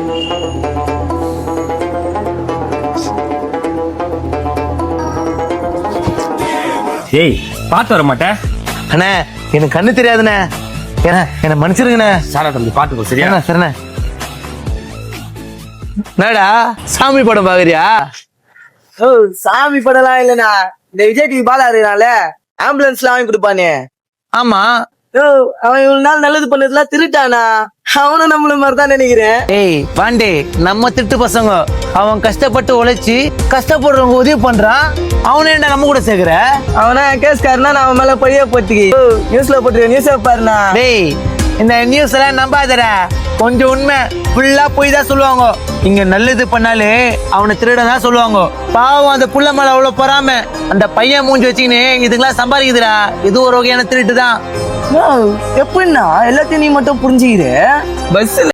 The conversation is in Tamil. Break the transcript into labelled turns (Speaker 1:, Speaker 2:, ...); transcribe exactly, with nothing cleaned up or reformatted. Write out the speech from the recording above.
Speaker 1: ஏய் பாத்து வர மாட்டேன்
Speaker 2: அண்ணே எனக்கு கண்ணு தெரியாதுண்ணே ஏண்ணே என்ன மன்னிச்சிருங்கண்ணே.
Speaker 1: சாரா தம்பி பாத்துக்கோ சரியா?
Speaker 2: சரிண்ணே சரிண்ணே. என்னடா சாமி படம் பாக்குறியா?
Speaker 3: ஓ சாமி படம்லாம் இல்லண்ணா, இந்த விஜய் டிவி பாலா இருக்கனால ஆம்புலன்ஸ்ல வாங்கி கொடுப்பானே.
Speaker 2: ஆமா.
Speaker 3: ஓ அவன் இவ்வளவு நாள் நல்லது பண்ணதுலாம் திருட்டானா? அவனும் நம்மள மாதிரிதான் நினைக்கிறேன்.
Speaker 2: ஏய் பாண்டே, நம்ம திட்டு பசங்க. அவன் கஷ்டப்பட்டு உழைச்சி கஷ்டப்படுறவங்க உதவி பண்றான். அவனே என்ன நம்ம கூட சேர்க்கிற?
Speaker 3: அவனா கேஸ்காரனா நான் அவன் மேல பழிய போட்டுக்கி நியூஸ்ல போட்டு நியூஸ் பாருண்ணா.
Speaker 2: டேய் இந்த நியூஸ் எல்லாம் நம்பாதடா, கொஞ்சம் உண்மை ஃபுல்லா போய் தான் சொல்லுவாங்க. இங்க நல்லது பண்ணாலே அவனை திருடதான் சொல்லுவாங்க. பாவம் அந்த புள்ள மேல அவ்வளவு பொறாம அந்த பையன் மூஞ்சி வச்சுக்கின்னு இதுக்கெல்லாம் சம்பாதிக்குதுடா. இது ஒரு வகையான திருட்டு தான்.
Speaker 3: எப்படின்னா எல்லாத்தையும் நீ மட்டும் புரிஞ்சுக்கிற? பஸ்ல